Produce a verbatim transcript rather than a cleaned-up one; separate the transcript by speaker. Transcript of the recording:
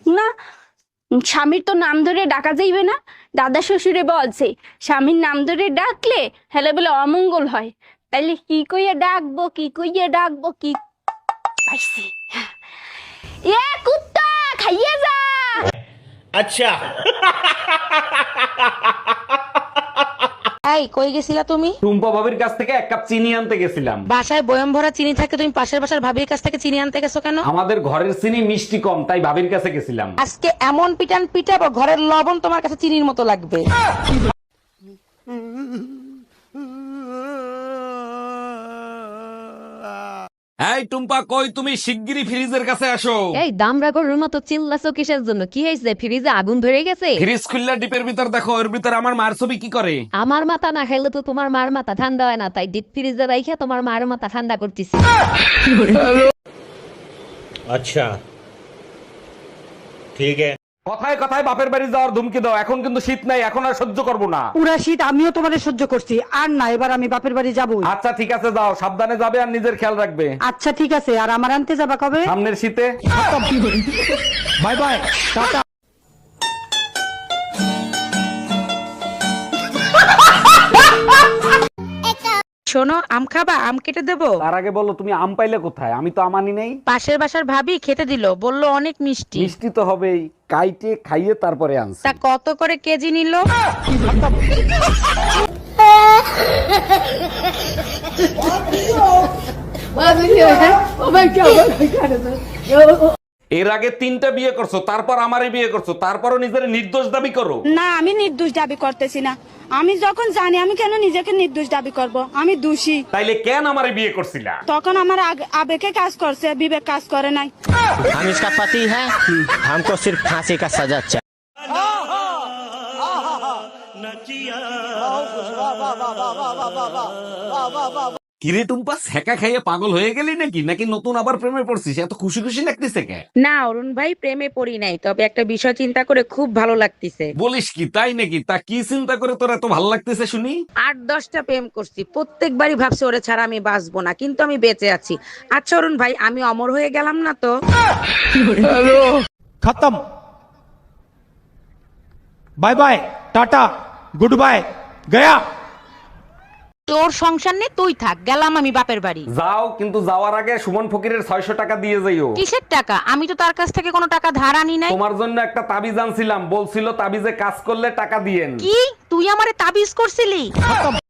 Speaker 1: না, স্বামীর তো নাম ধরে ডাকা যাইবে না। দাদা শ্বশুরে বলছে স্বামীর নাম ধরে ডাকলে হেলে বলে অমঙ্গল হয়। তাইলে কি কইয়া ডাকবো, কি কইয়া ডাকবো, কি পাইছি। এ কুত্তা খাইয়ে যা।
Speaker 2: अच्छा।
Speaker 3: এই কই গেছিলা তুমি?
Speaker 4: টুম্পা ভাবির কাছ থেকে এক কাপ চিনি আনতে গেছিলাম।
Speaker 3: বাসায় বয়ম ভরা চিনি থাকে, তুমি পাশের বাসার ভাবির কাছ থেকে চিনি আনতে গেছো কেন?
Speaker 4: আমাদের ঘরের চিনি মিষ্টি কম, তাই ভাবির কাছে গেছিলাম।
Speaker 3: আজকে এমন পিটান পিটাবো ঘরের লবণ তোমার কাছে চিনির মতো লাগবে।
Speaker 4: এই টুম্পা, কই তুমি? শিগগিরই ফ্রিজের কাছে আসো।
Speaker 5: এই দামরা গরুর মতো চিল্লাছো কিসের জন্য? কি হয়েছে? ফ্রিজে আগুন ধরে গেছে?
Speaker 4: ফ্রিজ খুললা ডিপের ভিতর দেখো, এর ভিতর আমার মার ছবি কি করে।
Speaker 5: আমার মাথা না খাইলে তো তোমার মার মাথা ঠান্ডা হয় না, তাই ডিপ ফ্রিজে রাইখা তোমার মার মাথা ঠান্ডা করতেছি।
Speaker 2: अच्छा ठीक है।
Speaker 4: কথায় কথায় বাপের বাড়ি যাওয়ার ধুমকি দাও। এখন কিন্তু শীত নাই, এখন আর সহ্য করবো না।
Speaker 6: পুরা শীত আমিও তোমারে সহ্য করছি, আর না এবার আমি বাপের বাড়ি যাবো।
Speaker 4: আচ্ছা ঠিক আছে, যাও, সাবধানে যাবে আর নিজের খেয়াল রাখবে।
Speaker 6: আচ্ছা ঠিক আছে, আর আমার আনতে যাবা কবে?
Speaker 4: সামনের শীতে। Bye bye, tata.
Speaker 3: শোনো, আম খাবা? আম কেটে দেবো?
Speaker 4: তার আগে বলো, তুমি আম পাইলে কোথায়? আমি তো আমানি নেই।
Speaker 3: পাশের বাসার ভাবি খেতে দিল, বললো অনেক মিষ্টি।
Speaker 4: মিষ্টি তো হবেই, কাইটে খাইয়ে তারপরে আনছি।
Speaker 3: তা কত করে কেজি নিল?
Speaker 4: এর আগে তিনটা বিয়ে করছো, তারপর আমারে বিয়ে করছো, তারপরও নিজের নির্দোষ দাবি করো।
Speaker 1: না, আমি নির্দোষ দাবি করতেছি না। আমি যখন জানি, আমি কেন নিজেকে নির্দোষ দাবি করব? আমি দোষী।
Speaker 4: তাইলে কেন আমারে বিয়ে করছিলা?
Speaker 1: তখন আমার আগ- আবেগে কাজ করছে, বিবেক কাজ করে নাই।
Speaker 7: हम इसका पति है, हमको सिर्फ फांसी का सजा चाहिए।
Speaker 4: কিরে টুম্পা, সেকা খাইয়ে পাগল হয়ে গেলি নাকি? নাকি নতুন আবার প্রেমে পড়ছিস? এত খুশি খুশি লাগতেছে কে?
Speaker 3: না অরুণ ভাই, প্রেমে পড়ি নাই, তবে একটা বিষয় চিন্তা করে খুব ভালো লাগতেছে।
Speaker 4: বলিস কি, তাই নাকি? তা কি চিন্তা করে তোর এত ভালো লাগতেছে শুনি?
Speaker 3: আট দশটা প্রেম করছি, প্রত্যেকবারই ভাবছি ওরে ছাড়া আমি বাঁচবো না, কিন্তু আমি বেঁচে আছি। আচ্ছা অরুণ ভাই, আমি অমর হয়ে গেলাম না তো?
Speaker 8: खत्म। Bye bye, tata, goodbye, गया।
Speaker 3: তোর সংসার নেই, তুই থাক, গেলাম আমি বাপের বাড়ি।
Speaker 4: যাও, কিন্তু যাওয়ার আগে সুমন ফকিরের ছয়শ টাকা দিয়ে যাইও।
Speaker 3: কিসের টাকা? আমি তো তার কাছ থেকে কোনো টাকা ধার আনি নাই।
Speaker 4: তোমার জন্য একটা তাবিজ আনছিলাম, বলছিল তাবিজে কাজ করলে টাকা দিয়েন।
Speaker 3: কি? তুই আমারে তাবিজ করছিলি?